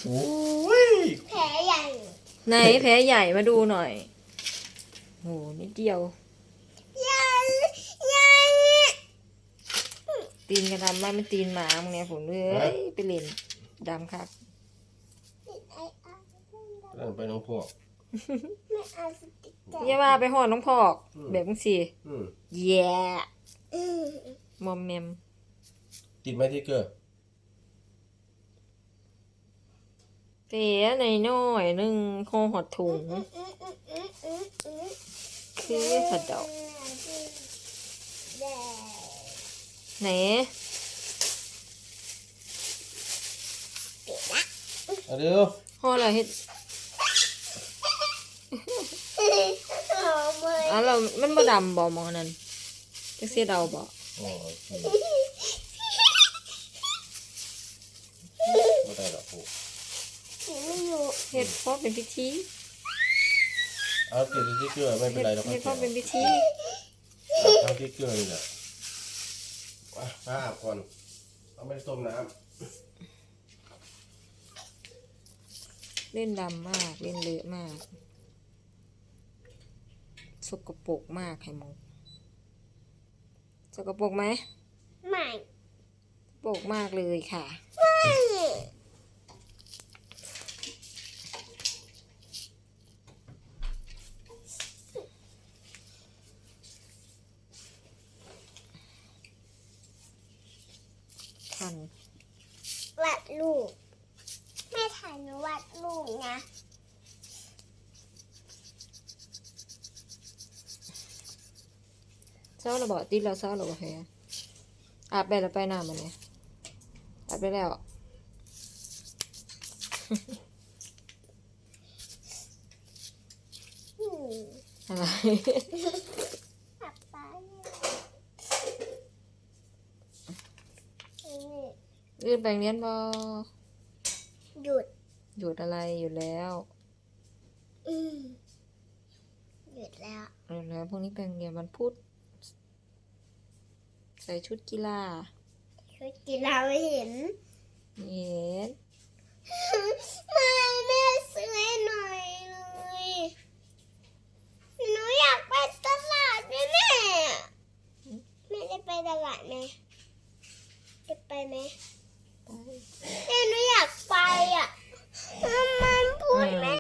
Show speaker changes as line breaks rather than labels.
โอ้ย
แผลใหญ่
ไหนแผลใหญ่มาดูหน่อยโหนิดเดียว
ใหญ่ใหญ่
ตีนกระดำไม่มันตีนหมามึงเนี่ยผมเลยไปเล่นดำครับ
นั่นไปน้องพวก
ไม่เอาสติ๊กเกอร์
อย่าว่าไปห่อน้องพอกแบบมึงสิแย่มอมแมม
ติดไหมที่เกอร์
เต๋หน่อยหน่อยนึงคอหดถุงคือผัดดอกไหน
เอาเดี๋ยว
ห่ออะไรเฮ็ดอ๋อเรามันบ่ดำบ่มองนั่นจักเสียดาวบ่
อ๋อโอเคไม่ได้หรอกพวก
ไม่อยู่
เฮ็ดเพราะเป็นพิธี
เอาติดที่เกอร์ไม่เป็นไรหรอก
เฮ็ดเพราะเป็นพิธี
เอาที่เกอร์นี่แหละผ้าอาบก่อนเอาไม่ต้มน้
เล่นดำมากเล่นเลอะมากสกปรกมากไข่มุกสกปรกไหม
ไม่
สกปรกมากเลยค่ะ
ไม่
คัน
วาดรูปแม่ถ่ายหนูวาดรูปนะ
เศร้าระบอกติดแล้วเศร้าระบอกแพ้อาบไปแล้วไปหน้ามันเนี่ยอาบไปแล้ว
อืม
อะไร
ป๊าป๊าเนี่ย
ยื่นไปเรียนบอ
หยุด
หยุดอะไรอยู่แล้ว
อืมหยุดแล้ว
หยุดแล้วพรุ่งนี้ไปโรงเรียนวันพุธใส่ชุดกีฬา
ชุดกีฬาไม่เห็น
เย็น
ไม่แม่ซื้อให้หน่อย